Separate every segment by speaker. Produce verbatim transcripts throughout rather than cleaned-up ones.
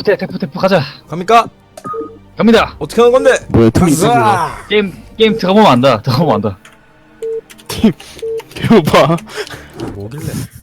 Speaker 1: 태, 태프 태프 가자.
Speaker 2: 갑니까?
Speaker 1: 갑니다.
Speaker 2: 어떻게 하는 건데?
Speaker 3: 뭐야 팀이 있어 그거.
Speaker 2: 으아!
Speaker 1: 게임 게임 들어가보면 안다. 들어가보면 안다.
Speaker 3: 팀 개오빠.
Speaker 2: 뭐길래?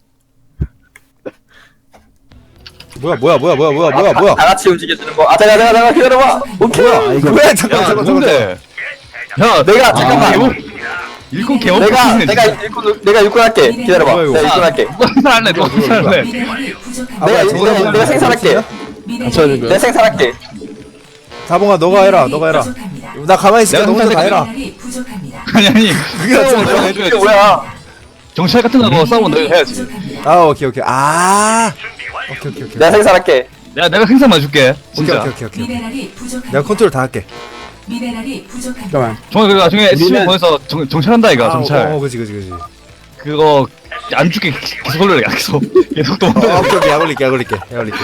Speaker 2: 뭐야 뭐야 뭐야 뭐야 뭐야 뭐야 뭐야?
Speaker 4: 다 같이 움직여주는 거. 아, 잠깐, 잠깐, 잠깐, 기다려봐. 오케이.
Speaker 2: 뭐야 이거 왜 잠깐
Speaker 1: 야,
Speaker 2: 잠깐 잠깐
Speaker 1: 뭔데? 야,
Speaker 4: 내가, 잠깐만.
Speaker 1: 일꾼 개업.
Speaker 4: 내가, 내가 일꾼, 내가 일꾼 할게. 기다려봐.
Speaker 2: 뭐야, 이거?
Speaker 4: 내가 일꾼 할게.
Speaker 1: 누가 생산할래? 누가 생산할래?
Speaker 2: 아,
Speaker 4: 내가,
Speaker 2: 뭐야, 저거
Speaker 4: 내가,
Speaker 2: 뭐야,
Speaker 4: 내가 생산할게.
Speaker 3: 같이 하는
Speaker 4: 내가
Speaker 3: 거야?
Speaker 4: 생산할게.
Speaker 2: 다봉아 너가 해라 너가 해라. 나 가만히 있을게. 너 혼자 다 해라.
Speaker 1: 아니 아니.
Speaker 2: 그게 낫지
Speaker 1: 내가
Speaker 2: 않아?
Speaker 1: 해줘야지.
Speaker 4: 이게 뭐야?
Speaker 1: 정찰 같은 거 싸우면 내가 해야지.
Speaker 2: 아 오케이 오케이 아 오케이 오케이 오케이
Speaker 4: 내가 생산할게.
Speaker 1: 내가 내가 생산만 줄게.
Speaker 2: 오케이
Speaker 1: 진짜.
Speaker 2: 오케이 오케이 오케이
Speaker 5: 미네랄이 부족합니다.
Speaker 2: 내가 컨트롤 다 할게.
Speaker 5: 미네랄이 부족합니다.
Speaker 3: 잠깐만.
Speaker 1: 정말 그 나중에 에스씨
Speaker 3: 우리는-
Speaker 1: 보내서 정, 정찰한다 이거
Speaker 2: 아,
Speaker 1: 정찰.
Speaker 2: 어, 어 그지 그지 그지.
Speaker 1: 그거 안 죽게 계속 올려 계속 계속 또.
Speaker 2: 어, 오케이 오케이 약 올릴게 약 올릴게 약 올릴게.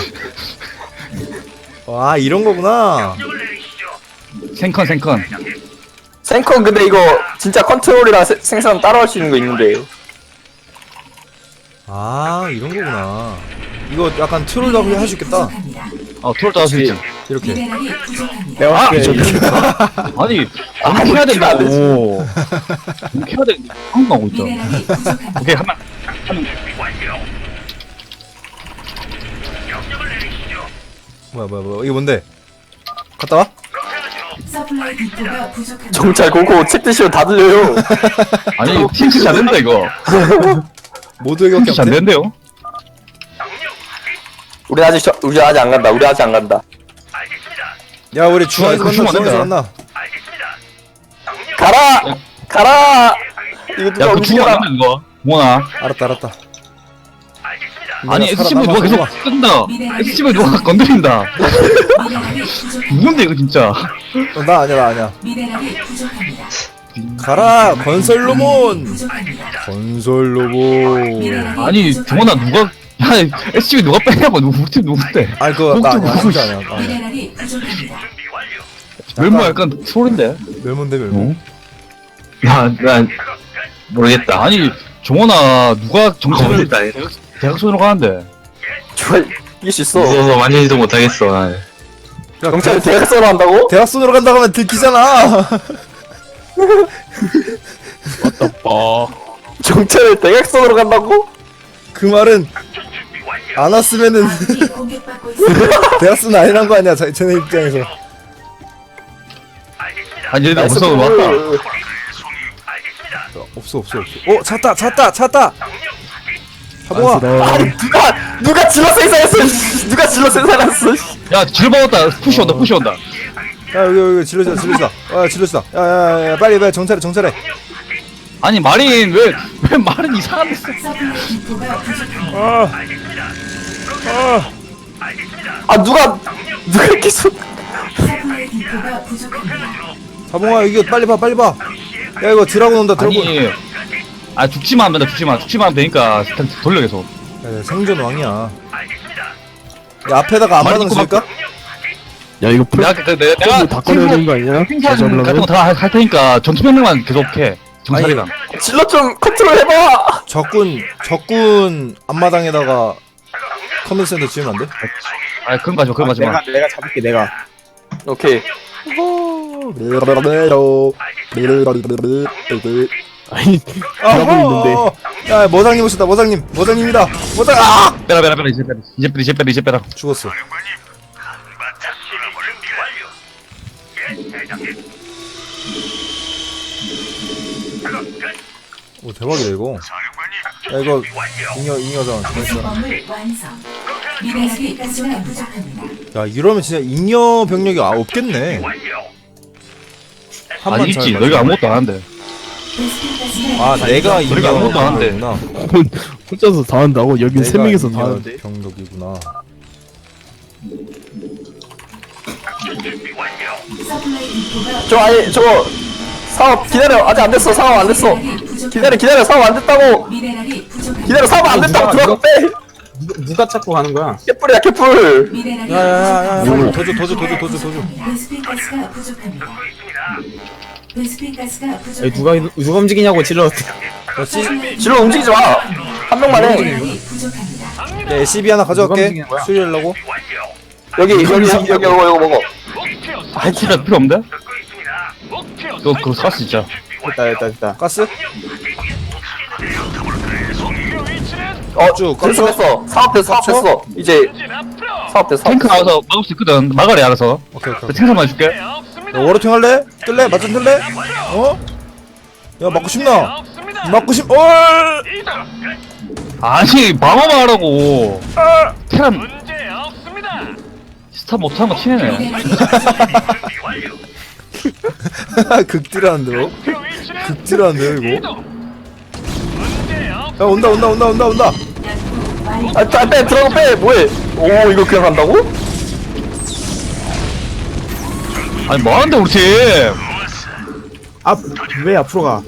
Speaker 2: 와 이런 거구나.
Speaker 1: 생컨 생컨.
Speaker 4: 생컨 근데 이거 진짜 컨트롤이랑 세- 생산 따로 할 수 있는 거 있는데.
Speaker 2: 아 이런 거구나. 이거 약간 트롤도 할 수 있겠다.
Speaker 1: 어 트롤 따할 수 있지.
Speaker 2: 이렇게.
Speaker 5: 미네랄이 부족합니다.
Speaker 3: 내가
Speaker 1: 아,
Speaker 3: 할게.
Speaker 1: 아니
Speaker 4: 아,
Speaker 1: 이렇게 해야
Speaker 4: 이렇게 안
Speaker 1: 된다고. 이렇게 해야 돼. 한국 하고 있죠.
Speaker 5: 미네랄이 부족합니다.
Speaker 1: 오케이 한번
Speaker 2: 뭐야 뭐야 뭐야 이게 뭔데? 갔다 와?
Speaker 5: 서플라이 디포가 부족합니다.
Speaker 4: 정찰 고고 책 드시면 다 들려요.
Speaker 1: 아니 팀치 안 된다 이거.
Speaker 2: 모두에게
Speaker 1: 팀치 안
Speaker 2: 없네.
Speaker 1: 된대요.
Speaker 4: 우리 아직 저, 우리 아직 안 간다. 우리 아직 안 간다.
Speaker 2: 야 우리 중앙에서
Speaker 1: 그거
Speaker 2: 만나
Speaker 1: 주면 안
Speaker 2: 중앙에서
Speaker 1: 된다.
Speaker 2: 만나.
Speaker 4: 가라! 가라! 이거 누가
Speaker 1: 야그 죽으면
Speaker 4: 움직여라.
Speaker 1: 안 된다 이거. 뭐나?
Speaker 2: 알았다 알았다.
Speaker 1: 아니
Speaker 2: 살아,
Speaker 1: 에스씨브이 누가
Speaker 2: 남아,
Speaker 1: 계속
Speaker 2: 남아.
Speaker 1: 끈다. 에스씨브이 누가 건드린다.
Speaker 5: 미네랄이 부족합니다.
Speaker 1: 누군데 이거 진짜.
Speaker 2: 어, 나 아니야 나 아니야.
Speaker 5: 미네랄이 부족합니다.
Speaker 2: 가라 건설 로몬.
Speaker 5: 부족합니다.
Speaker 2: 건설 로봇.
Speaker 5: 미네랄이
Speaker 1: 아니
Speaker 5: 부족합니다.
Speaker 1: 정원아 누가 야 에스씨브이 누가 빼냐고 누구 우리 팀 누군데?
Speaker 2: 아니 그거 나 아니야
Speaker 1: 누구,
Speaker 2: 진짜 아니야. 나 아니야.
Speaker 5: 미네랄이 부족합니다.
Speaker 1: 멸모 약간 소린데.
Speaker 2: 멸몬데 멸몬.
Speaker 1: 나난 모르겠다. 아니 정원아 누가 정찰을 대학선으로 가는데?
Speaker 4: 좋아, 이길 수 있어.
Speaker 1: 무서워서 만지지도 못하겠어.
Speaker 2: 야,
Speaker 4: 경찰
Speaker 2: 대-
Speaker 4: 대학생으로 한다고?
Speaker 2: 대학선으로 간다고 하면 들키잖아.
Speaker 1: 어.
Speaker 4: 경찰을 대학생으로 간다고?
Speaker 2: 그 말은 안 왔으면은
Speaker 5: 아군이 공격받고 있습니다.
Speaker 2: 대학선 아니란 거 아니야 자- 쟤네 입장에서.
Speaker 1: 아니 얘들
Speaker 4: 나이스
Speaker 1: 무서워
Speaker 4: 볼.
Speaker 1: 왔다.
Speaker 2: 없어 없어 없어. 어 찾다 찾다 찾다. 하봉아.
Speaker 4: 아니 누가 누가 질러 생산했어? 씨. 누가 질러 생산했어? 씨.
Speaker 1: 야 질받았다. 푸시 온다. 푸시 온다.
Speaker 2: 야 여기 여기 질러지다 질러지다. 아 질러지다. 야야야 빨리 빨리 정찰해 정찰해.
Speaker 1: 아니 마린 왜 왜 말은 이상한데?
Speaker 5: 서플라이 디포가 부족합니다.
Speaker 2: 아. 아.
Speaker 4: 아 누가 누가 계속
Speaker 5: 서플라이 디포가 부족합니다.
Speaker 2: 하봉아 이거 빨리 봐 빨리 봐. 야 이거 드라곤 온다 드라곤.
Speaker 1: 아니 아 죽지만 하면 된다. 죽지만 죽지만 하면 되니까 일단 돌려 계속.
Speaker 2: 야, 생존 왕이야. 야 앞에다가
Speaker 1: 말이
Speaker 2: 안마당
Speaker 1: 있고
Speaker 2: 쓸까?
Speaker 3: 야 이거 풀
Speaker 1: 내가 그 내가 내가
Speaker 3: 다 꺼내야 되는 거 아니야?
Speaker 1: 핑산
Speaker 3: 다시
Speaker 1: 같은
Speaker 3: 하려면?
Speaker 1: 거 다 할 테니까 전투 명령만 계속해. 정찰이랑.
Speaker 4: 질러 좀 컨트롤 해봐.
Speaker 2: 적군 적군 앞마당에다가 커맨드 센터 지으면 안 돼?
Speaker 1: 아 그런 거 하지 마. 그런 거 하지 마.
Speaker 3: 내가 내가 잡을게 내가.
Speaker 4: 오케이.
Speaker 3: 아니 잘하고 있는데.
Speaker 2: 야 모장님 오셨다 모장님 모장님이다 모장 아
Speaker 1: 빼라 빼라 빼라 이제 빼라 이제 빼라 이제 빼라 이제 빼라.
Speaker 2: 죽었어. 오 대박이다 이거. 야 이거 잉여 잉여잖아.
Speaker 5: 부속 건물 완성. 미네랄이 가스가 부족합니다.
Speaker 2: 야 이러면 진짜 잉여 병력이 아 없겠네. 한만
Speaker 1: 아니
Speaker 2: 잘
Speaker 1: 있지.
Speaker 2: 맞으면.
Speaker 1: 너희가 아무것도 안 한대.
Speaker 5: 베스킨 가스가
Speaker 2: 아 내가
Speaker 1: 우리가
Speaker 2: 잉여
Speaker 1: 아무것도 안 한대.
Speaker 2: 병력이구나.
Speaker 3: 혼자서 다 한다고? 여긴 세
Speaker 2: 내가
Speaker 3: 명이서 다
Speaker 2: 잉여
Speaker 3: 하는데.
Speaker 2: 병력이구나.
Speaker 5: 서플라이 디포가
Speaker 4: 저 아니 저 사업 기다려. 아직 안 됐어. 사업 안 됐어.
Speaker 5: 미네랄이 부족합니다.
Speaker 4: 기다려 기다려. 사업 안 됐다고.
Speaker 5: 미네랄이 부족합니다.
Speaker 4: 기다려. 사업 안 됐다고. 들어가 빼.
Speaker 6: 누가 찾고 가는 거야?
Speaker 4: 개뿔이야 개뿔.
Speaker 5: 미네랄이
Speaker 2: 야야야야
Speaker 5: 부족합니다.
Speaker 2: 도주 도주 도주 도주 도주.
Speaker 5: 베스킨 가스가 부족합니다. 베스킨 가스가
Speaker 6: 아니,
Speaker 5: 부족합니다.
Speaker 6: 누가 누가 움직이냐고 질러.
Speaker 2: 야 C
Speaker 4: 질러 움직이지 마. 한 명만 해.
Speaker 5: 미네랄이 부족합니다.
Speaker 2: 야 에스씨비 하나
Speaker 6: 누가
Speaker 2: 가져갈게.
Speaker 6: 움직이는 거야?
Speaker 2: 수리하려고.
Speaker 4: 여기 여기 여기 여기 이거 이거 먹어.
Speaker 1: 아 진짜 필요 없는데? 이거 그거 샀어 진짜.
Speaker 6: 됐다 됐다 됐다.
Speaker 2: 가스?
Speaker 4: 어
Speaker 2: 쭉,
Speaker 4: 됐어
Speaker 2: 깜짝-
Speaker 4: 됐어. 사업됐어 사업됐어. 이제 사업됐어.
Speaker 1: 탱크
Speaker 4: 사업됐어.
Speaker 1: 나와서 막을 수 있거든. 막아래 알아서.
Speaker 2: 오케이 오케이.
Speaker 1: 탱크만 해줄게.
Speaker 2: 야, 워러팅 할래? 뜰래? 맞짱 뜰래? 어? 야 맞고 싶나? 맞고 싶.. 얼!
Speaker 1: 아니 방어만 하라고. 테란 스탑 못하는 거 티내네.
Speaker 2: 극딜하는데요? 극딜하는데요 이거? 야 온다 온다 온다 온다 온다.
Speaker 4: 아, 빼, 빼, 들어가, 빼, 뭐해? 오, 이거 그냥 간다고?
Speaker 1: 아니 뭐하는데 우리 팀.
Speaker 6: 앞왜 앞으로 가?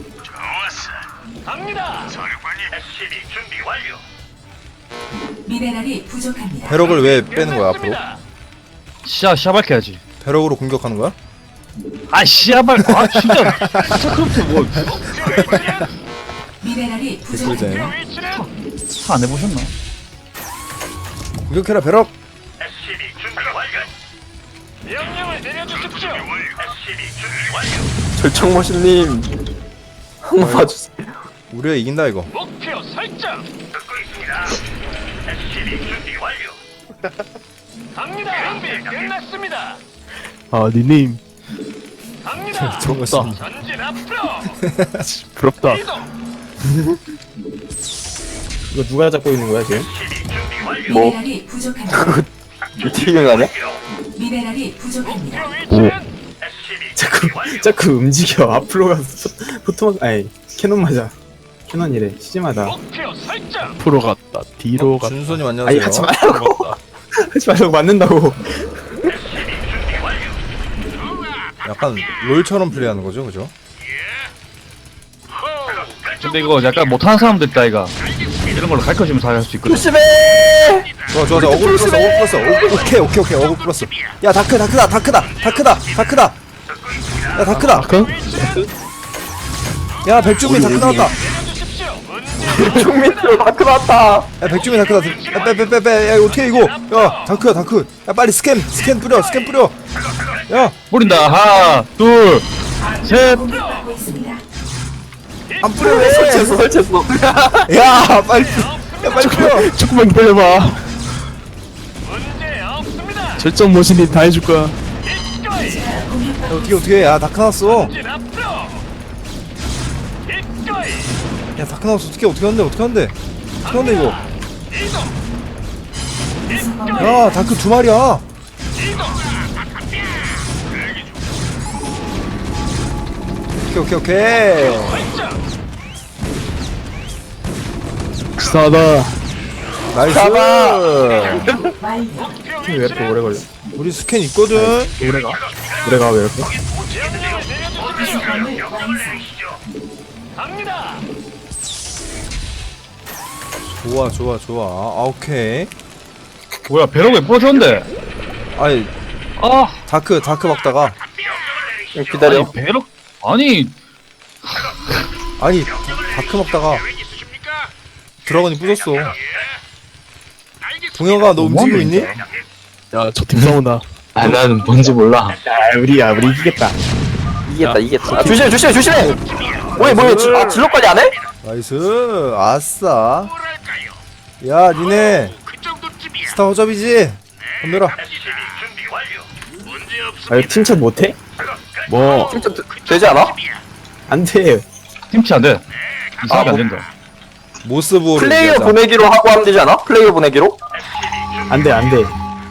Speaker 5: 미네랄이 부족합니다.
Speaker 2: 배럭을 왜 빼는 거야 앞으로?
Speaker 1: 시야 시야 밝혀야지.
Speaker 2: 배럭으로 공격하는 거야?
Speaker 1: 아 시야 밝. 아 진짜. 스타크래프트 뭐.
Speaker 5: 미네랄이 부족합니다.
Speaker 2: 댓글쟁이.
Speaker 1: 차 안 해보셨나?
Speaker 2: 공격해라 배럭.
Speaker 4: 절청머신님. 한번 봐주세요.
Speaker 2: 우리가 이긴다 이거.
Speaker 3: 아 니님
Speaker 2: 정말
Speaker 3: 부럽다.
Speaker 6: 이거 누가 잡고 있는 거야 지금?
Speaker 4: 뭐?
Speaker 5: 미네랄이 부족합니다.
Speaker 4: 미팅을 가냐?
Speaker 5: 미네랄이 부족합니다.
Speaker 3: 오
Speaker 6: 자꾸 자꾸 움직여. 앞으로 가서 포토만 아니 캐논 맞아. 캐논이래. 시즈마다.
Speaker 3: 앞으로 갔다 뒤로 갔다.
Speaker 2: 준수님
Speaker 6: 아니
Speaker 2: 안녕하세요.
Speaker 6: 하지 말라고. 하지 말라고 맞는다고.
Speaker 2: 약간 롤처럼 플레이하는 거죠, 그죠?
Speaker 1: 근데 이거 약간 못하는 사람들 있다 이가. 이런 걸로 가르쳐주면서 할 수 있거든.
Speaker 4: 조심해!
Speaker 2: 좋아 좋아 좋아 어글 플러스 어글 플러스 오, 오케이 오케이 오케이 어글 플러스. 야 다크 다크다 다크다 다크다 다크다. 야 다크다.
Speaker 3: 아까?
Speaker 2: 야 백주민 다크 나왔다.
Speaker 4: 총밑으로 다크 나왔다.
Speaker 2: 야 백주민 다크다. 야빼빼빼빼 야 이거 어떻게 이거? 야 다크야 다크. 야 빨리 스캔 스캔 뿌려 스캔 뿌려. 야
Speaker 1: 뿌린다. 하나, 둘, 셋.
Speaker 5: 공격받고 있습니다.
Speaker 2: 안 뿌려
Speaker 4: 설치했어,
Speaker 2: 왜?
Speaker 4: 설치했어.
Speaker 2: 야 빨리 뿌- 야 빨리 뿌려.
Speaker 3: 조금만 기다려봐. 절정 모신이 다 해줄 거야.
Speaker 2: 야, 어떻게 어떻게 야 다크 나왔어. 야 다크 나왔어 어떻게 어떻게 한대 어떻게 한대 어떻게 한대 이거. 야 다크 두 마리야. 오케이 오케이 오케이.
Speaker 3: 싸다.
Speaker 2: 나이스.
Speaker 5: 완료.
Speaker 6: 왜 이렇게 오래 걸려?
Speaker 2: 우리 스캔 있거든.
Speaker 6: 오래가? 오래가 왜 이렇게?
Speaker 5: 구성함을 완성.
Speaker 2: 좋아 좋아 좋아. 아 오케이.
Speaker 1: 뭐야 배럭 왜 부러졌는데?
Speaker 2: 아니
Speaker 1: 아
Speaker 2: 다크 다크 막다가
Speaker 4: 기다려.
Speaker 1: 아니 배럭 아니
Speaker 2: 아니 다크 먹다가 드라곤이 부쉈어. 동혁아 너 움직이고 있니?
Speaker 3: 야저 팀 싸운다.
Speaker 6: 아 나는 뭔지 몰라. 야 우리야 우리 이기겠다.
Speaker 4: 이겼다, 이겼다. 아, 조심해, 조심해, 조심해! 뭐해, 뭐해, 지- 아, 진로까지 안 해?
Speaker 2: 나이스 아싸. 야 니네 스타 허접이지? 덤벼라.
Speaker 6: 아 이거 팀챗 못해?
Speaker 3: 뭐
Speaker 4: 진짜 되- 되지 않아?
Speaker 6: 안 돼.
Speaker 1: 팀치 안 돼. 이상하게 안 된다.
Speaker 2: 모스부호를
Speaker 4: 플레이어
Speaker 2: 얘기하자.
Speaker 4: 보내기로 하고 하면 되지 않아? 플레이어 보내기로?
Speaker 6: 안 돼, 안 돼.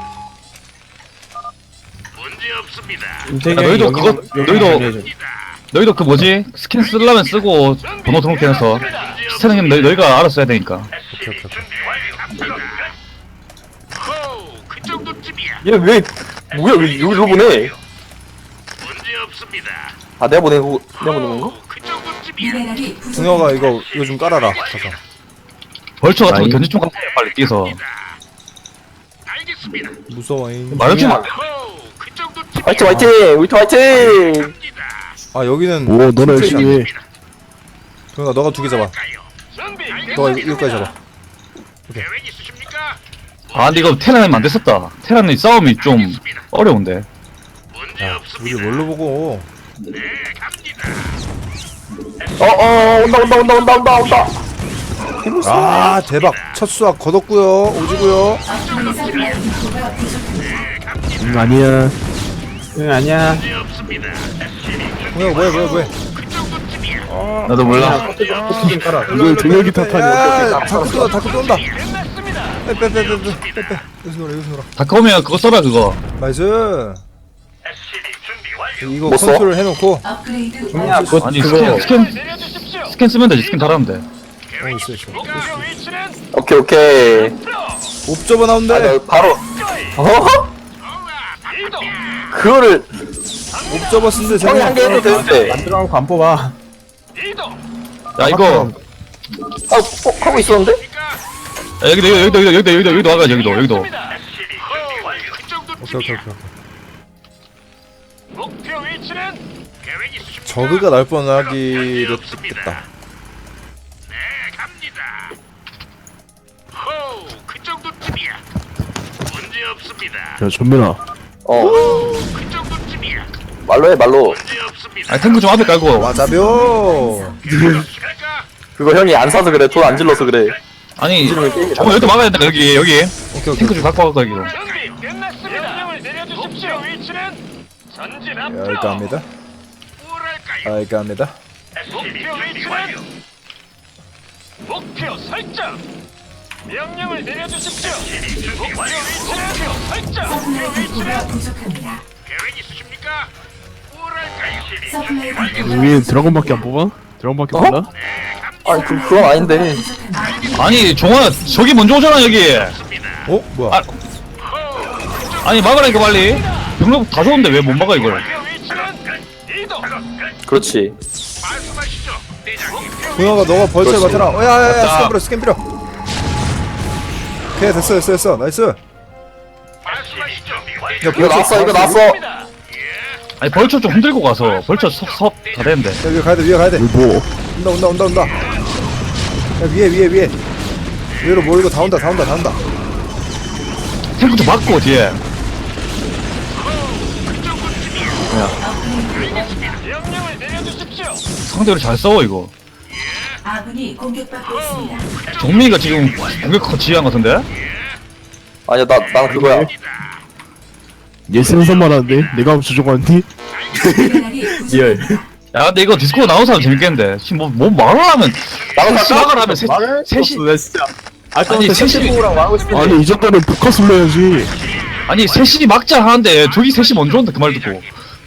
Speaker 1: 야, 너희도 그거- 너희도- 너희도 그 뭐지 스킨 쓰려면 쓰고 번호 등록해서 스타는 너희 너희가 알아서 해야 되니까.
Speaker 2: 오케이 오케이 오케이.
Speaker 4: 얘 왜, 뭐야, 왜 여기로 보내? 아, 내가 보내고, 내가 보낸 건가?
Speaker 5: 미네랄이 부족합니다.
Speaker 2: 동혁아 이거 이거 좀 깔아라. 가서.
Speaker 1: 벌초 같은 거
Speaker 3: 아니.
Speaker 1: 견제 좀 갖고 해, 빨리 뛰어서.
Speaker 2: 무서워잉.
Speaker 1: 말하지 마.
Speaker 4: 화이팅, 화이팅! 우리도 화이팅!
Speaker 2: 아 여기는
Speaker 3: 오 너네 열심히 해.
Speaker 2: 동혁아 너가 두 개 잡아. 너가 이거, 이거까지 잡아.
Speaker 1: 아 근데 이거 테란이 안 됐었다. 테란이 싸움이 좀 어려운데.
Speaker 2: 야 우리 뭘로 보고
Speaker 4: 어어 온다 온다 온다 온다 온다 온다.
Speaker 2: 아 대박 첫 수확 거뒀고요 오지고요
Speaker 3: 응 아니야.
Speaker 6: 응 아니야.
Speaker 2: 뭐야 뭐야 뭐야 뭐야
Speaker 1: 나도 몰라.
Speaker 6: 좀 깔아.
Speaker 3: 이걸 동혁이 탓하냐.
Speaker 2: 야 다크 쏜다 다크 쏜다 빼빼빼빼빼빼 여기서 놀아 여기서 놀아
Speaker 1: 다크 오면 그거 써라 그거.
Speaker 2: 나이스 이거
Speaker 4: 뭐 써?
Speaker 2: 컨트롤 해놓고
Speaker 5: 업그레이드
Speaker 6: 야 그거
Speaker 1: 아니
Speaker 6: 그거
Speaker 1: 스캔 스캔 스캔 쓰면 되지. 스캔 달하면 돼.
Speaker 2: 어 있어 있어
Speaker 4: 오케이 오케이.
Speaker 2: 옵저버
Speaker 4: 아,
Speaker 2: 나온대
Speaker 4: 나 바로. 어? 그거를
Speaker 2: 옵저버 쓴데
Speaker 4: 형이 한 개 해도 되는데.
Speaker 6: 만들어놓고 안 뽑아.
Speaker 1: 야 이거
Speaker 4: 아 어, 하고 있었는데?
Speaker 1: 야, 여기도 여기도 여기도 여기도 여기도 여기도 와가 여기도 여기도.
Speaker 2: 오케이 오케이 오케이
Speaker 7: 목표 위치는 계획 있으십니까?
Speaker 2: 저그가 날 뻔하기로 됐다
Speaker 7: 네, 갑니다. 호, 그 정도쯤이야. 문제 없습니다.
Speaker 3: 야 전민아.
Speaker 4: 어
Speaker 7: 그 정도쯤이야.
Speaker 4: 말로 해 말로.
Speaker 7: 문제 없습니다.
Speaker 1: 아 탱크 좀 앞에 깔고.
Speaker 2: 와자벼
Speaker 7: 갈까?
Speaker 4: 그거 형이 안 사서 그래. 돈 안 질러서 그래.
Speaker 1: 아니 저거 여기도 막아야 된다 여기 여기.
Speaker 2: 오케이 오케이
Speaker 1: 탱크 좀 갖고 가고 여기도.
Speaker 7: 준비 끝났습니다. 명령을 내려주십시오. 위치는 전진
Speaker 2: 야
Speaker 7: 앞으로.
Speaker 2: 이거 합니다
Speaker 7: 뭐랄까요?
Speaker 2: 아 이거 합니다
Speaker 7: 목표 위치는 목표 설정. 명령을 내려주십시오. 목표 위치는 목표 설정.
Speaker 5: 서플라이
Speaker 7: 목표
Speaker 5: 디포가
Speaker 7: 위치는
Speaker 5: 부족합니다.
Speaker 7: 계획 있으십니까? 뭐랄까요?
Speaker 5: 서플라이 디포가
Speaker 3: 우리 드래곤밖에 안 뽑아? 드래곤밖에
Speaker 4: 어?
Speaker 3: 몰라?
Speaker 4: 아니 그 그건 아닌데.
Speaker 5: 부족합니다.
Speaker 1: 아니 종아 저기 먼저 오잖아 여기.
Speaker 2: 어? 뭐야
Speaker 1: 아, 아니 막으라니까 빨리. 병력 다 좋은데 왜 못 막아 이걸?
Speaker 7: 목표 위치는 이동.
Speaker 4: 그렇지.
Speaker 7: 말씀하시죠, 대장님.
Speaker 2: 동혁아 너가 벌처를
Speaker 4: 그렇지.
Speaker 2: 맡아라 어야야야
Speaker 1: 맞다.
Speaker 2: 스캔 빌어 스캔 빌어 오케이 됐어 됐어 됐어 나이스
Speaker 7: 말씀하시죠.
Speaker 2: 야
Speaker 4: 이거 나왔어 이거 나왔어.
Speaker 1: 아니 벌처 좀 흔들고 가서 벌처 섭섭다 되는데.
Speaker 2: 야 위에 가야돼 위에 가야돼
Speaker 3: 뭐?
Speaker 2: 온다 온다 온다 온다 야 위에 위에 위에 위로 몰고 다 온다 다 온다 다 온다
Speaker 1: 탱크 좀 막고 뒤에.
Speaker 7: 명령을 내려주십시오.
Speaker 1: 상대로 잘 싸워 이거.
Speaker 5: 아군이 공격받고 있습니다.
Speaker 1: 종민이가 지금 공격 지휘한 것 같은데?
Speaker 4: 아니야 나 나는 그거야.
Speaker 3: 얘 생선 말하는데 내가 조종하니?
Speaker 5: 미네랄이 부족.
Speaker 6: 리얼.
Speaker 1: 야 근데 이거 디스코 나온 사람 재밌겠는데. 지금 뭐, 뭐 말을 하면
Speaker 4: 나도
Speaker 1: 시각을 하면 세,
Speaker 6: 말을
Speaker 1: 셋이
Speaker 6: 나 진짜.
Speaker 1: 아니,
Speaker 6: 아까부터
Speaker 1: 셋이-
Speaker 6: 셋이 뽑으라고 하고 싶은데.
Speaker 3: 아니 이 정도면 포커스 불러야지.
Speaker 1: 아니 셋이 막자 하는데 저기 셋이 먼저 온다 그 말 듣고.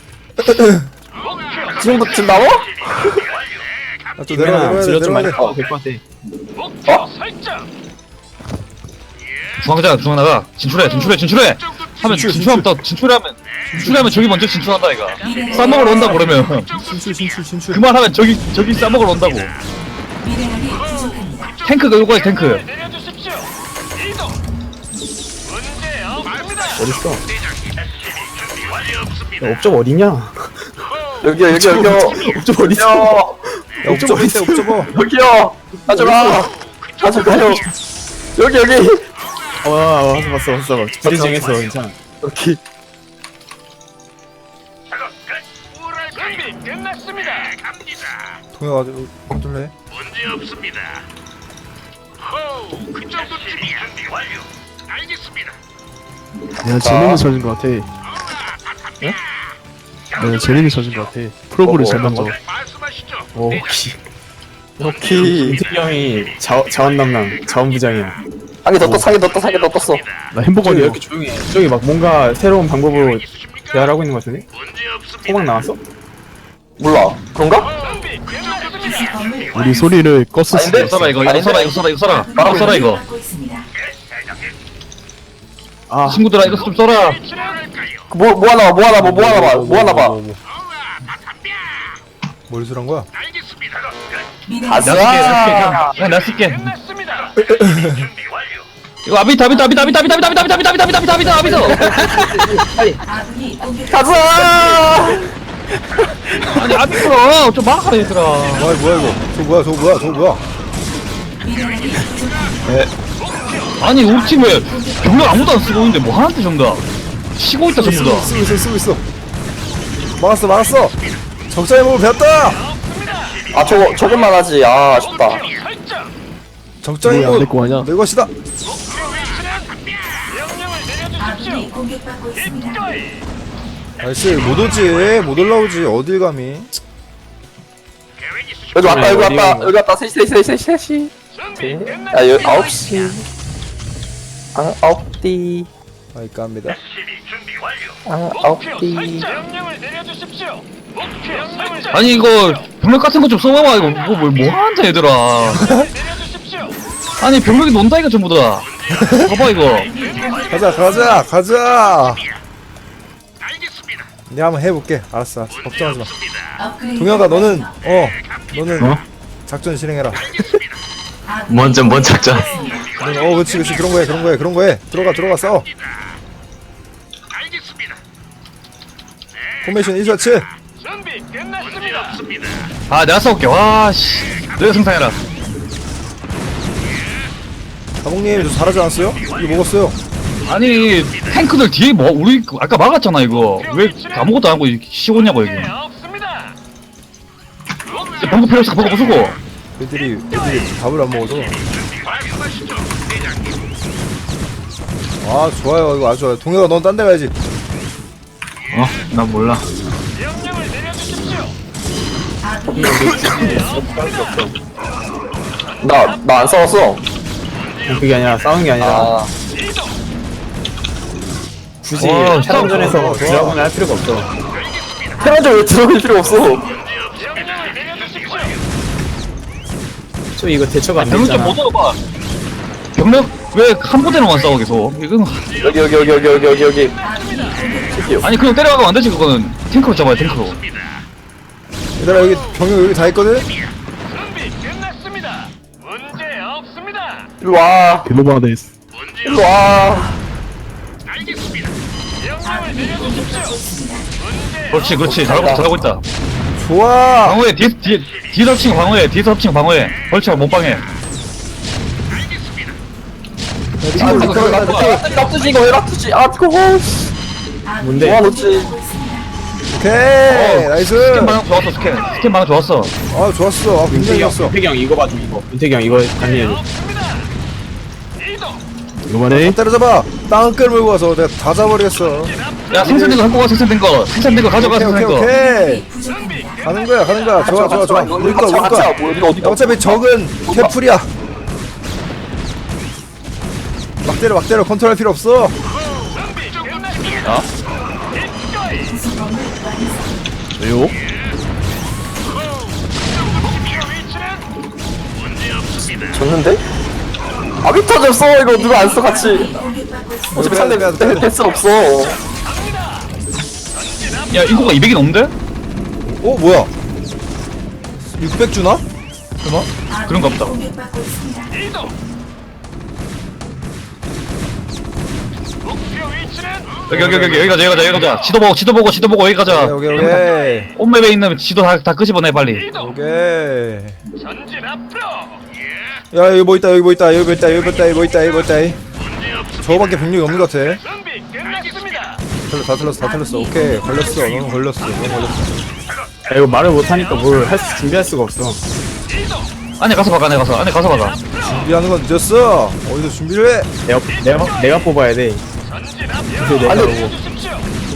Speaker 4: 지금부터 지금 나와?
Speaker 2: 아또 내려가
Speaker 6: 내가
Speaker 2: 내려가야 돼
Speaker 6: 질러 좀 많이
Speaker 2: 내려가야 돼
Speaker 6: 어, 될것 같아.
Speaker 7: 목표
Speaker 4: 어?
Speaker 7: 설정.
Speaker 1: 중앙자 중앙 나가 진출해 진출해 진출해 하면
Speaker 2: 진출,
Speaker 1: 진출하면 또 진출하면 진출하면 저기 먼저 진출한다 이가. 싸먹으러 온다 그러면
Speaker 2: 진출 진출 진출
Speaker 1: 그 말 하면 저기 저기 싸먹으러 온다고.
Speaker 5: 미네랄이 부족합니다.
Speaker 1: 탱크 요거야 탱크.
Speaker 7: 내려주십시오. 이동. 문제 없습니다.
Speaker 6: 어딨어?
Speaker 7: 준비 완료 없습니다.
Speaker 6: 야, 옵적 어디냐?
Speaker 4: 여기요 여기 여기요.
Speaker 6: 옵적 어딨어?
Speaker 2: 야 옵저버 있대 옵저버
Speaker 4: 여기요. 가져가. 가져가요. 여기 여기.
Speaker 6: 와, 와, 봤어, 봤어, 봤어. 브리징했어, 괜찮아.
Speaker 4: 여기.
Speaker 7: 작업 끝. 뭐랄까요? 준비 끝났습니다. 갑니다.
Speaker 2: 동혁아 좀 컨트롤해
Speaker 7: 문제 없습니다. 호, 그 정도쯤이야. 준비 완료. 알겠습니다.
Speaker 3: 내가 재능이 젖은 것 같아. 내가 재능이 젖은 것 같아. 프로브를
Speaker 4: 어,
Speaker 3: 잘
Speaker 4: 어,
Speaker 3: 만져.
Speaker 7: 말씀하시죠.
Speaker 6: 오,
Speaker 7: 대장님.
Speaker 6: 키. 오키. 인택이 형이 자, 자원 담당, 자원부장이야.
Speaker 4: 상에 더 떠, 상에 더 떠, 상에 더 떴어.
Speaker 3: 나
Speaker 6: 저기
Speaker 3: 햄버거냐?
Speaker 6: 이렇게 조용히 해. 저기 막 뭔가 새로운 방법으로
Speaker 7: 있으십니까?
Speaker 6: 대화를 하고 있는 것 같은데?
Speaker 7: 문제 없습니다.
Speaker 6: 호박 나왔어?
Speaker 4: 몰라. 그런가?
Speaker 7: 준비 끝났습니다.
Speaker 5: 기습범을
Speaker 3: 우리 소리를 껐을 수도
Speaker 4: 아닌데?
Speaker 1: 써라
Speaker 3: 있어.
Speaker 1: 이거 이거 써라 이거 써라 이거 써라 바로 써라 이거.
Speaker 5: 받고 있습니다.
Speaker 6: 아,
Speaker 1: 친구들아 이거 좀 써라.
Speaker 4: 그 뭐, 뭐 하나 봐, 뭐 하나 봐, 뭐 하나 봐, 뭐 하나 봐.
Speaker 2: 뭘 수란 거야
Speaker 7: 알겠습니다.
Speaker 5: 미네랄이
Speaker 1: 내가 쓸게 내가 쓸게 그냥 내가 쓸게.
Speaker 7: 끝났습니다. 준비 완료.
Speaker 1: 이거 아비트 아비트 아비트 아비트 아비트 아비트 아비트 아비트 아비트 아비트 아비트 아비트 아비트.
Speaker 5: 아군이 공격.
Speaker 4: 가자!
Speaker 1: 아니 아비트로 좀 막아라 얘들아.
Speaker 2: 뭐야 뭐야 이거 저 뭐야 저 뭐야 저 뭐야
Speaker 5: 미네랄이 부족합니다.
Speaker 1: 아니 우리 팀에 병력 아무도 안 쓰고 있는데 뭐 하는데 전부 다 쉬고 있다 전부 다.
Speaker 2: 쓰고 있어 쓰고 있어. 막았어 막았어. 적자의 몸을 배웠다.
Speaker 4: 아 저거 저것만 하지. 아 아쉽다.
Speaker 7: 설정.
Speaker 2: 적자의
Speaker 3: 뭐야,
Speaker 2: 몸
Speaker 3: 내거 아니야?
Speaker 2: 내 것이다.
Speaker 7: 목표 위치는 명령을 내려주십시오.
Speaker 5: 아군이 공격받고 있습니다.
Speaker 7: 기꺼이.
Speaker 2: 나이스 못 오지 못 올라오지 어딜 감히.
Speaker 4: 여기 왔다 여기
Speaker 6: 어디
Speaker 4: 왔다
Speaker 6: 가는
Speaker 4: 여기 왔다 셋이 셋이 셋이 셋이.
Speaker 7: 준비 끝났습니다.
Speaker 4: 야 여기 아홉 시. 아 아홉 띠.
Speaker 2: 아이까 합니다.
Speaker 4: 아 아홉
Speaker 7: 목표
Speaker 4: 띠.
Speaker 7: 설정. 명령을 내려주십시오. 목표 설정.
Speaker 1: 아니 이거 병력 같은 거 좀 써봐봐. 이거 뭐, 뭐, 뭐 하는데 얘들아.
Speaker 7: 내려주십시오.
Speaker 1: 아니 병력이 논다 이거 전부 다. 봐봐 이거.
Speaker 2: 가자 가자 가자. 내가 한번 해볼게. 알았어 알았어 걱정하지 마.
Speaker 5: 업그레이드
Speaker 2: 동혁아 너는 어 너는
Speaker 3: 어?
Speaker 2: 작전 실행해라.
Speaker 5: 아군이
Speaker 3: 먼저 먼 작전.
Speaker 2: 너는 어 그렇지 그렇지 그런 거해 그런 거해 그런 거해. 들어가 들어가 싸워. 포메이션 일 샷츠.
Speaker 7: 준비 끝났습니다.
Speaker 1: 아 내가 싸울게. 와씨. 너가 생산해라.
Speaker 2: 사봉님 저 잘하지 않았어요? 이거 먹었어요.
Speaker 1: 아니 탱크들 뒤에 뭐 우리 아까 막았잖아 이거. 왜 아무것도 안 하고 쉬고냐고 여기.
Speaker 7: 네, 없습니다.
Speaker 1: 방금 필요 없어. 방금 부수고.
Speaker 2: 애들이 애들이 밥을 안 먹어서. 아 좋아요 이거 아주 좋아요. 동혁아 넌 딴 데 가야지.
Speaker 3: 어? 난 몰라.
Speaker 7: 명령을 내려주십시오.
Speaker 5: 아군이
Speaker 4: 나나 안 싸웠어.
Speaker 6: 그게 아니라 싸우는 게 아니라
Speaker 4: 아
Speaker 7: 이동.
Speaker 6: 굳이
Speaker 1: 와,
Speaker 6: 차량전에서
Speaker 2: 싸워.
Speaker 6: 드라곤을 할 필요가 없어.
Speaker 4: 테란저 왜 들어갈 필요 없어.
Speaker 7: 명령을 내려주십시오.
Speaker 6: 저 이거 대처가 안
Speaker 1: 병력 좀
Speaker 6: 되잖아.
Speaker 1: 못 얻어봐. 병력 왜 한 부대로만 싸워 계속. 이건
Speaker 4: 여기 여기 여기 여기 여기 여기 여기.
Speaker 1: 아니 그냥 때려가면 안 되지 그거는. 탱크로 잡아야 탱크로.
Speaker 2: 얘들아 여기 병력 여기 다 있거든?
Speaker 7: 준비 끝났습니다. 문제 없습니다.
Speaker 4: 일로 와.
Speaker 3: 글로바데스.
Speaker 4: 일로 와.
Speaker 7: 명령을 내려주십시오. 문제
Speaker 1: 그렇지 그렇지 잘하고 있다 잘하고 있다.
Speaker 2: 좋아.
Speaker 1: 방어해 뒤에 뒤에 뒤에서 합치고 방어해 뒤에서 합치고 방어해. 벌치가 못 방해.
Speaker 4: 아 이거 그걸 납두지 납두지 이거 왜 납두지? 아 그거
Speaker 6: 뭔데?
Speaker 4: 와 놓지.
Speaker 2: 오케이
Speaker 1: 어,
Speaker 2: 나이스.
Speaker 1: 스캔 방어 좋았어 스캔. 스캔 방어 좋았어.
Speaker 2: 아 좋았어. 아 굉장히
Speaker 6: 윤태기 형,
Speaker 2: 좋았어.
Speaker 6: 윤태기 형 이거 봐줘 이거. 윤태기 형 이거 관리해줘.
Speaker 7: 없습니다. 이동.
Speaker 3: 글로바데.
Speaker 2: 때려잡아. 땅끌 물고 와서 내가 다 잡아버리겠어.
Speaker 1: 야 생산된 거 갖고 가 생산된 거. 생산된 거 가져가
Speaker 2: 오케이 오케이
Speaker 1: 생산된 거.
Speaker 2: 오케이.
Speaker 5: 부족합니다.
Speaker 2: 가는 거야 가는 거야. 좋아 좋아 좋아. 우리 거 우리
Speaker 4: 같이
Speaker 2: 거.
Speaker 4: 와, 뭐 여기가 어디가?
Speaker 2: 어차피 적은 캐풀이야. 막 때려 막 때려 컨트롤할 필요 없어.
Speaker 7: 준비 끝났습니다. 기꺼이.
Speaker 3: 왜요?
Speaker 7: 목표 위치는
Speaker 4: 졌는데? 아비터 졌어 이거 누가 안 써 같이.
Speaker 5: 공격받고 있습니다.
Speaker 4: 어차피 상대
Speaker 2: 빼야 돼, 빼야 돼.
Speaker 4: 패스 없어.
Speaker 1: 야 인구가 이백이 넘는데?
Speaker 2: 어 뭐야? 육백 주나? 설마?
Speaker 1: 그런가 보다.
Speaker 5: 공격받고 있습니다.
Speaker 7: 이동. 목표 위치는
Speaker 1: 여기 여기 여기 여기 가자 여기 가자 여기 가자. 지도 보고 지도 보고 지도 보고 여기 가자.
Speaker 2: 오케이 오케이 오케이.
Speaker 1: 온맵에 있는 지도 다, 다 끄집어내 빨리.
Speaker 7: 이동.
Speaker 2: 오케이.
Speaker 7: 전진 앞으로.
Speaker 2: 야 여기 뭐 있다 여기 뭐 있다 여기 뭐 있다 여기 뭐 있다 여기 뭐 있다 여기 뭐 있다. 저거밖에 병력이 없는 것 같아.
Speaker 7: 준비 끝났습니다.
Speaker 2: 틀려, 다 틀렸어 다 틀렸어. 오케이 걸렸어 너는 걸렸어 너는 걸렸어.
Speaker 6: 야, 이거 말을 못하니까 뭘 할 수 준비할 수가 없어.
Speaker 7: 이동.
Speaker 1: 안에 가서 박아 안에 가서 안에 가서 박아.
Speaker 2: 준비하는 건 늦었어. 어디서 준비를 해?
Speaker 6: 내가 내가 내가 뽑아야 돼.
Speaker 7: 전진
Speaker 6: 그래서
Speaker 7: 앞으로.
Speaker 6: 내가 보고.
Speaker 7: 내려주십시오.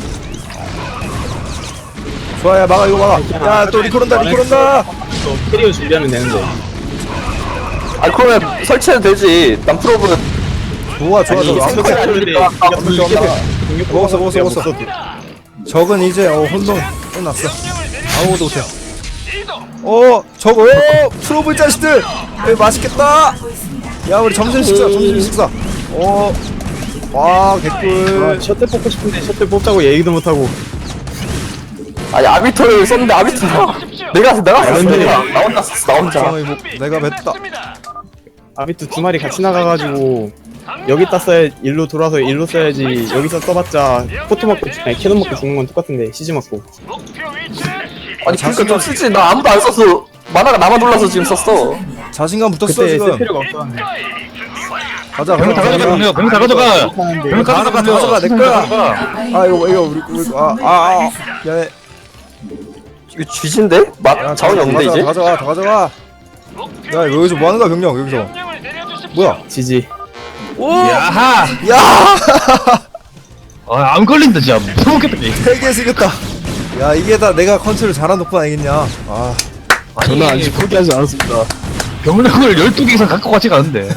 Speaker 2: 좋아 야 막아 이거 막아. 야 또 리콜 온다 리콜 온다.
Speaker 6: 또 캐리어 준비하면 되는데.
Speaker 4: 아니 그러면 설치해도 되지. 난 프로브는
Speaker 2: 좋아 좋아 좋아.
Speaker 6: 아니,
Speaker 2: 완벽해.
Speaker 6: 아니니까.
Speaker 2: 완벽해 완벽해. 먹었어 먹었어 먹었어. 적은 이제 어 혼동 끝났어. 아무것도 못해.
Speaker 7: 이동.
Speaker 2: 어 저거 어 프로브 자식들. 에 맛있겠다.
Speaker 5: 하고 있습니다.
Speaker 2: 야 우리 점심 식사 점심 식사. 어. 와
Speaker 6: 아,
Speaker 2: 개꿀.
Speaker 6: 셔틀 뽑고 싶은데 셔틀 뽑자고 얘기도 못 하고.
Speaker 4: 아니 아비터를 썼는데 아비터 내가 내가 썼어.
Speaker 6: 근데-
Speaker 4: 내가. 나 혼자 썼어 나 혼자.
Speaker 2: 상황이 뭐 내가 뱉다.
Speaker 7: 끝났습니다.
Speaker 6: 아비트 두 마리 같이 나가가지고 여기 땄어야 일로 돌아서 일로 써야지. 여기서 써봤자 포토 맞고 아니 캐논 맞고 죽는 건 똑같은데 시즈 맞고.
Speaker 7: 목표 위치는
Speaker 4: 아니 그러니까 좀 쓰지. 나 아무도 안 썼어. 만화가 나만 놀라서 지금 썼어.
Speaker 2: 자신감 붙었어
Speaker 6: 그때 쓸
Speaker 2: 지금.
Speaker 6: 필요가 없었는데.
Speaker 7: 기꺼이.
Speaker 2: 가자
Speaker 1: 병력 다 가져가 병력 병력 다 가져가 병력
Speaker 2: 다 가져가, 다 가져가, 내 거야. 아 이거 이거 우리 우리 아아아 야
Speaker 4: 이거 쥐진데? 맛 자원이 없는데
Speaker 2: 다
Speaker 4: 이제?
Speaker 2: 가져가 다 가져가. 야 이거 여기서 뭐 하는 거야 병력 여기서.
Speaker 7: 명령을 내려주십시오.
Speaker 2: 뭐야?
Speaker 6: 지지.
Speaker 1: 야하
Speaker 2: 야
Speaker 1: 아안 걸린다 진짜 무섭겠다 게임.
Speaker 2: 세개 생겼다. 야 이게 다 내가 컨트롤 잘한 덕분 아니겠냐. 아
Speaker 6: 저는 아직 포기하지 않았습니다.
Speaker 1: 병력을 열두 개 이상 갖고 가지가 않은데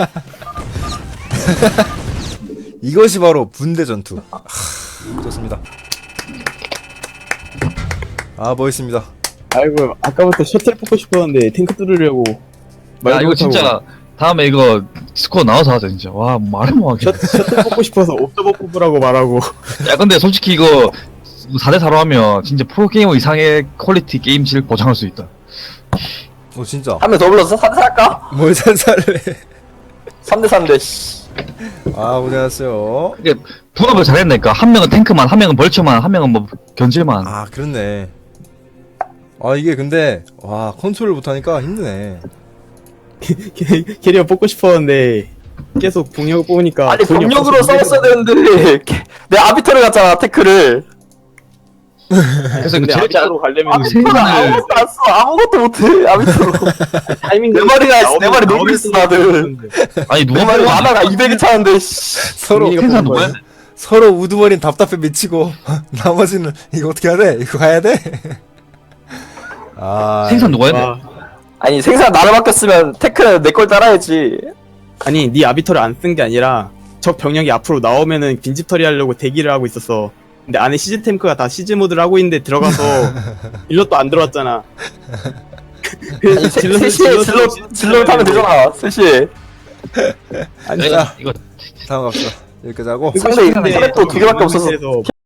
Speaker 2: 이것이 바로 분대 전투. 하, 좋습니다. 아 멋있습니다.
Speaker 6: 아이고 아까부터 셔틀 뽑고 싶었는데 탱크 뚫으려고.
Speaker 1: 야
Speaker 6: 말도
Speaker 1: 이거
Speaker 6: 못하고.
Speaker 1: 진짜 다음에 이거 스코어 나와서 하자 진짜 와 말을 못하겠네.
Speaker 6: 셔, 셔틀 뽑고 싶어서 옵저버 뽑으라고 말하고.
Speaker 1: 야 근데 솔직히 이거 사 대 사로 하면 진짜 프로게이머 이상의 퀄리티 게임질 보장할 수 있다.
Speaker 2: 어 진짜.
Speaker 4: 한 명 더 불러서 삼 대 살까?
Speaker 2: 뭘 살살래.
Speaker 4: 삼 대 삼 대 씨.
Speaker 2: 아 고생하셨어요.
Speaker 1: 이게 분업을 잘했으니까 한 명은 탱크만 한 명은 벌처만 한 명은 뭐 견질만.
Speaker 2: 아 그렇네. 아 이게 근데 와 컨트롤 못하니까 힘드네.
Speaker 6: 캐- 캐리어 뽑고 싶었는데 계속 병력을 뽑으니까
Speaker 4: 아니
Speaker 6: 돈이
Speaker 4: 병력으로
Speaker 6: 없어서
Speaker 4: 싸웠어야 되는데 내 아비터를 갔잖아 테크를.
Speaker 1: 그래서
Speaker 6: 근데
Speaker 1: 제일
Speaker 6: 아비터로 가려면
Speaker 4: 아비터를
Speaker 1: 생산을-
Speaker 4: 아무것도 안 써. 아무것도 못해 아비터로.
Speaker 6: 타이밍
Speaker 4: 내 머리가 내 머리 놀고 있어 다들.
Speaker 1: 아니
Speaker 4: 내
Speaker 1: 누가
Speaker 4: 머리
Speaker 1: 뽑아?
Speaker 4: 하나가 이백이 차는데 씨.
Speaker 2: 서로
Speaker 1: 생산 누가 해?
Speaker 2: 서로 우두머리는 답답해 미치고 나머지는 이거 어떻게 해야 돼? 이거 가야 돼? 아
Speaker 1: 생산 누가 했네?
Speaker 6: 와,
Speaker 4: 아니 생산 나를 맡겼으면 테크는 내 걸 따라야지.
Speaker 6: 아니 네 아비터를 안 쓴 게 아니라 적 병력이 앞으로 나오면은 빈집 처리하려고 대기를 하고 있었어. 근데 안에 시즈 탱크가 다 시즈 모드를 하고 있는데 들어가서 일럿도 안 들어왔잖아. 그래서 질럿
Speaker 4: 셋이 질러 질러 타면 되잖아. 셋이.
Speaker 6: 아니
Speaker 1: 이거 이거
Speaker 2: 다음 갑시다. 여기까지 하고
Speaker 4: 상대 상대 또두 개밖에 없어서
Speaker 6: 그래서